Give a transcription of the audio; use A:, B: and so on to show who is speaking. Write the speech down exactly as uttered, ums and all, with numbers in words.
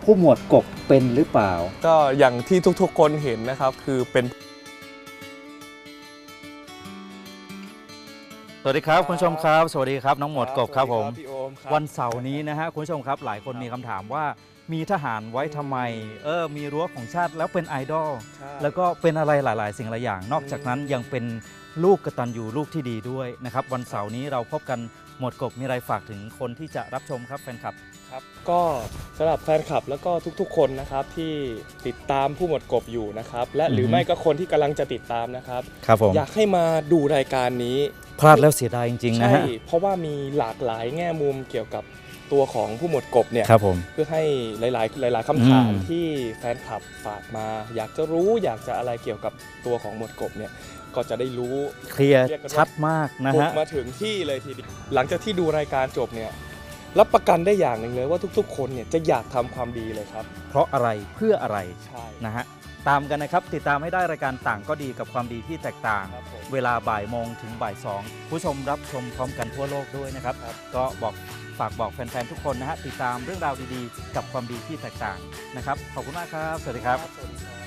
A: ผู้หมวดกบเป็นหรือเปล่า
B: ก็อย่างที่ทุกๆคนเห็นนะครับคือเป็น
C: สวัสดีครับคุณผู้ชมครับสวัสดีครับน้องหมวดกบครับผม
B: พี่โอมครับ
C: วันเสาร์นี้นะฮะคุณผู้ชมครับหลายคนมีคำถามว่ามีทหารไว้ทำไมเออมีรั้วของชาติแล้วเป็นไอดอลแล้วก็เป็นอะไรหลาย ๆ สิ่งหลายอย่าง นอกจากนั้นยังเป็นลูกกตัญญูลูกที่ดีด้วยนะครับวันเสาร์นี้เราพบกันหมวดกบมีอะไรฝากถึงคนที่จะรับชมครับแฟนคลับ
B: ครับก็สำหรับแฟนคลับแล้วก็ทุกๆคนนะครับที่ติดตามผู้หมวดกบอยู่นะครับและหรือไม่ก็คนที่กำลังจะติดตามนะครับ
C: ครับผม
B: อยากให้มาดูรายการนี้
C: พลาดแล้วเสียดายจริงๆนะฮะ
B: ใช่เพราะว่ามีหลากหลายแง่มุมเกี่ยวกับตัวของผู้หมวดกบเนี่ย
C: ครับผม
B: เพื่อให้หลายๆหลายๆคำถามที่แฟนคลับฝากมาอยากจะรู้อยากจะอะไรเกี่ยวกับตัวของหมวดกบเนี่ยก็จะได้รู้
C: เคลียร์ชัดมากนะฮะ
B: มาถึงที่เลยทีเดียวหลังจากที่ดูรายการจบเนี่ยรับประกันได้อย่างหนึ่งเลยว่าทุกๆคนเนี่ยจะอยากทำความดีเลยครับ
C: เพราะอะไรเพื่ออะไร
B: ใช่
C: นะฮะตามกันนะครับติดตามให้ได้รายการต่างก็ดีกับความดีที่แตกต่างเวลาบ่ายโมงถึงบ่ายสองผู้ชมรับชมพร้อมกันทั่วโลกด้วยนะครับก็บอกฝากบอกแฟนๆทุกคนนะฮะติดตามเรื่องราวดีๆกับความดีที่แตกต่างนะครับขอบคุณมากครับสวัสดีครับ